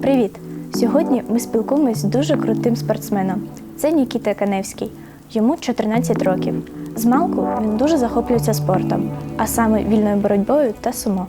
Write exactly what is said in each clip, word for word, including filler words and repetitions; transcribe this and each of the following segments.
Привіт! Сьогодні ми спілкуємось з дуже крутим спортсменом. Це Нікіта Каневський. Йому чотирнадцять років. Змалку він дуже захоплюється спортом, а саме вільною боротьбою та сумо.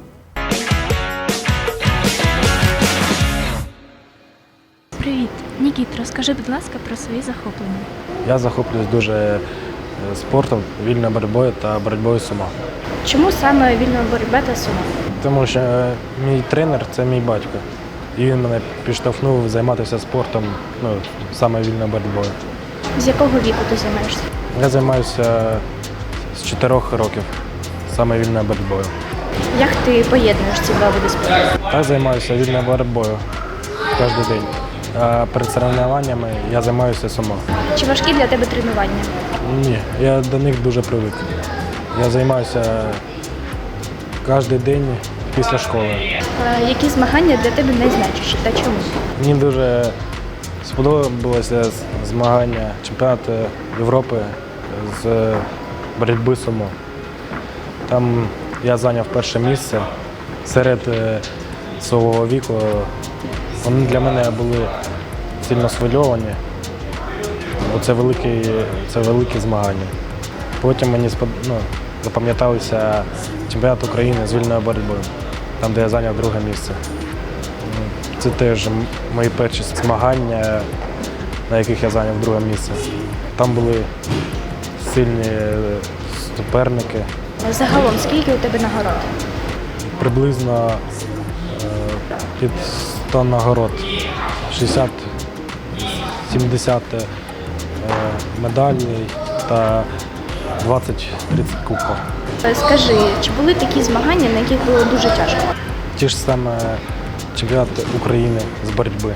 Привіт! Нікіт, розкажи, будь ласка, про свої захоплення. Я захоплююсь дуже спортом, вільною боротьбою та боротьбою сумо. Чому саме вільна боротьба та сумо? Тому що мій тренер – це мій батько. І він мене підштовхнув займатися спортом, ну, саме вільною боротьбою. З якого віку ти займаєшся? Я займаюся з чотирьох років, саме вільною боротьбою. Як ти поєднуєш ці два види спорту? Так займаюся вільною боротьбою кожен день. А перед соревнованнями я займаюся сумо. Чи важкі для тебе тренування? Ні, я до них дуже привик. Я займаюся кожен день після школи. А які змагання для тебе найзначущі та чому? Мені дуже сподобалося змагання чемпіонату Європи з боротьби сумо. Там я зайняв перше місце серед свого віку. Вони для мене були сильно схвильовані, бо це великі, це великі змагання. Потім мені ну, запам'яталися чемпіонат України з вільною боротьбою, там, де я зайняв друге місце. Це теж мої перші змагання, на яких я зайняв друге місце. Там були сильні суперники. Загалом, скільки у тебе нагород? Приблизно під сто нагород, шістдесят-сімдесят медалей та двадцять-тридцять кубків. Скажи, чи були такі змагання, на яких було дуже тяжко? Ті ж саме чемпіонат України з боротьби.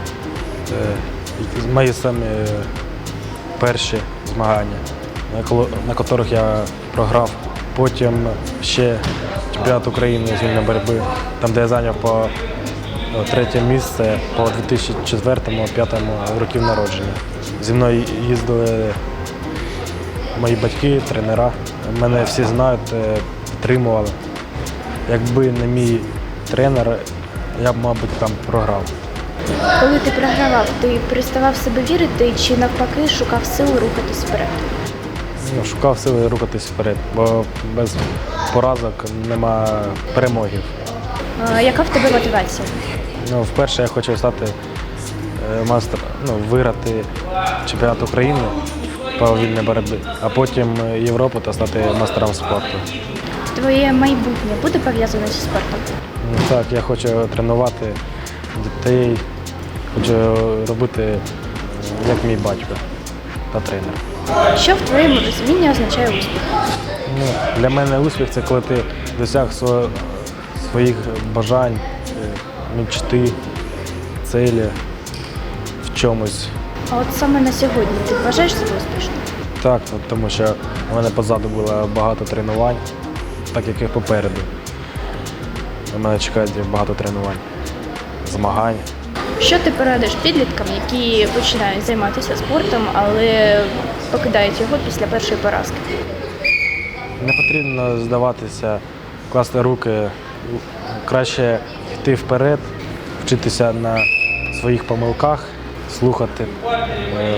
Мої самі перші змагання, на яких я програв. Потім ще чемпіонат України з вільної боротьби, там, де я зайняв по третє місце по дві тисячі четвертому - дві тисячі п'ятому років народження. Зі мною їздили мої батьки, тренера. Мене всі знають, підтримували. Якби не мій тренер, я б, мабуть, там програв. Коли ти програвав, ти переставав в себе вірити чи навпаки шукав сил рухатись вперед? Ну, шукав сили рухатись вперед, бо без поразок нема перемоги. А яка в тебе мотивація? Ну, вперше я хочу стати мастер, ну, виграти чемпіонат України по вільній боротьбі, а потім Європу та стати мастером спорту. Твоє майбутнє буде пов'язане зі спортом? Ну, так, я хочу тренувати дітей, хочу робити як мій батько та тренер. Що в твоєму розумінні означає успіх? Ну, для мене успіх – це коли ти досяг сво- своїх бажань, мечти, цілі в чомусь. А от саме на сьогодні ти вважаєш себе успішним? Так, от тому що у мене позаду було багато тренувань, так як і попереду. У мене чекає багато тренувань, змагань. Що ти порадиш підліткам, які починають займатися спортом, але покидають його після першої поразки? Не потрібно здаватися, класти руки, краще йти вперед, вчитися на своїх помилках, слухати е,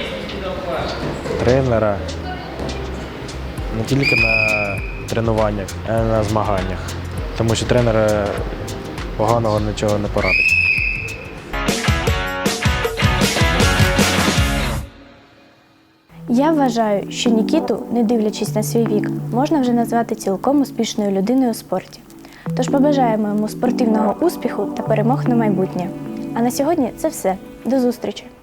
тренера не тільки на тренуваннях, а й на змаганнях, тому що тренер поганого нічого не порадить. Я вважаю, що Нікіту, не дивлячись на свій вік, можна вже назвати цілком успішною людиною у спорті. Тож побажаємо йому спортивного успіху та перемог на майбутнє. А на сьогодні це все. До зустрічі!